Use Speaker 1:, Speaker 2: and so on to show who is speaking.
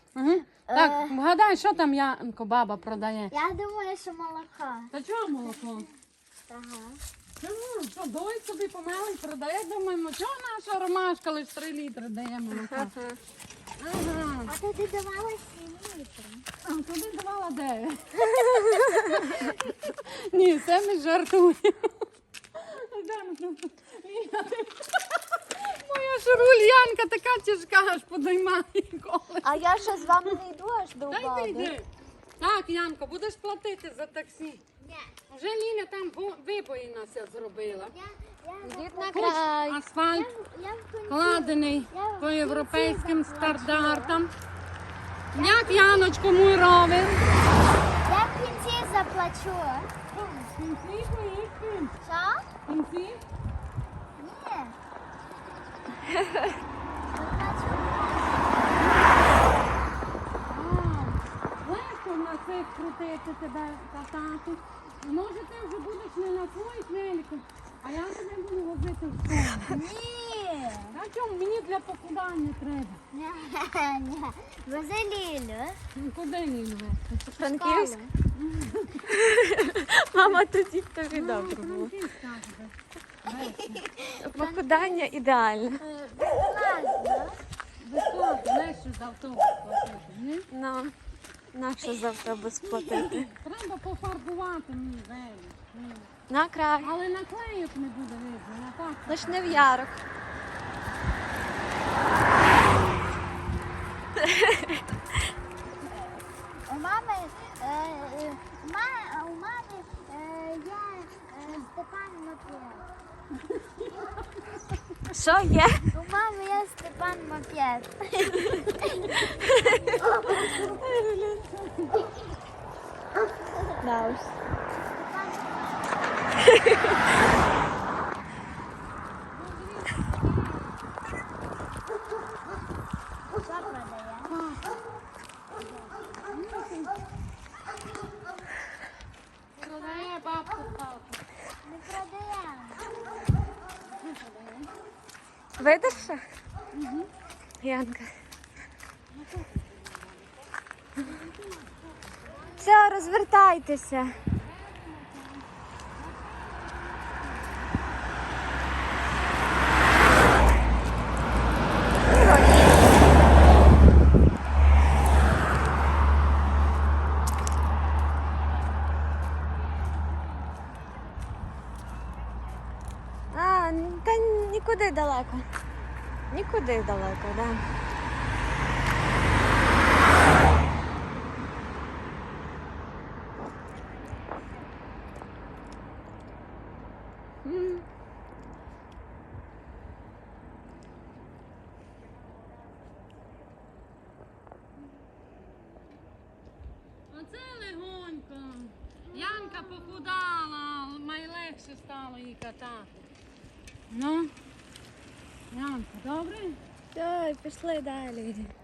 Speaker 1: Угу. Так, вгадай, що там Янко баба продає?
Speaker 2: Я думаю, що молоко.
Speaker 1: Та чого молоко?
Speaker 2: Ага.
Speaker 1: Чому? Що, дой собі помелий продає? Думаємо, чого наша ромашка лише 3 літри дає молока? Ага.
Speaker 2: А то ти давала 7 літрів.
Speaker 1: А туди давала 9. Ні, це ми жартуємо. Моя шурульянка така тяжка, аж подоймає коле.
Speaker 2: А я ще з вами не йду аж до
Speaker 1: Дай ти
Speaker 2: баби.
Speaker 1: йди. Так, Янко, будеш платити за таксі.
Speaker 2: Ні.
Speaker 1: Вже Ліля там вибої нас зробила.
Speaker 2: Йдіть на
Speaker 1: Хоч
Speaker 2: край.
Speaker 1: асфальт
Speaker 2: Я в кінці.
Speaker 1: складений по європейським стандартам. Як Яночко мій ровер?
Speaker 2: Я в кінці заплачу.
Speaker 1: В кінці поїхали.
Speaker 2: Що?
Speaker 1: В кінці?
Speaker 2: Ні. Заплачу.
Speaker 1: Легко на цих крутити тебе катати. Може ти вже будеш не на своїх великах, а я тебе буду возити в школу.
Speaker 2: Ні.
Speaker 1: А чому? Мені для похудання треба.
Speaker 2: Ні. Вези Лілю.
Speaker 1: Ну, куди Лілю вести?
Speaker 3: Франківськ? Мама тоді тобі добре було.
Speaker 1: Франківськ, так, вести.
Speaker 3: Похудання ідеальне.
Speaker 2: Класно.
Speaker 1: Безплатно, легше з автобус платити, ні?
Speaker 3: Ну, нащо за автобус платити?
Speaker 1: Треба пофарбувати мені велик.
Speaker 3: На край.
Speaker 1: Але наклеїв не буде видно, а так.
Speaker 3: Лиш не в ярок.
Speaker 2: У мами, у мами є Степан Мопед.
Speaker 3: Що є?
Speaker 2: У мами є Степан Мопед.
Speaker 3: Да уж.
Speaker 2: Що продає?
Speaker 1: Продає бабку палку.
Speaker 2: Не продає.
Speaker 3: Видиш що? Янка. Все, розвертайтеся. А, та нікуди далеко. Нікуди далеко, да. М.
Speaker 1: Оце легонько. Янка похудала, найлегше стало їй катати. Ну, Янка, добре?
Speaker 3: Ой, пішли далі.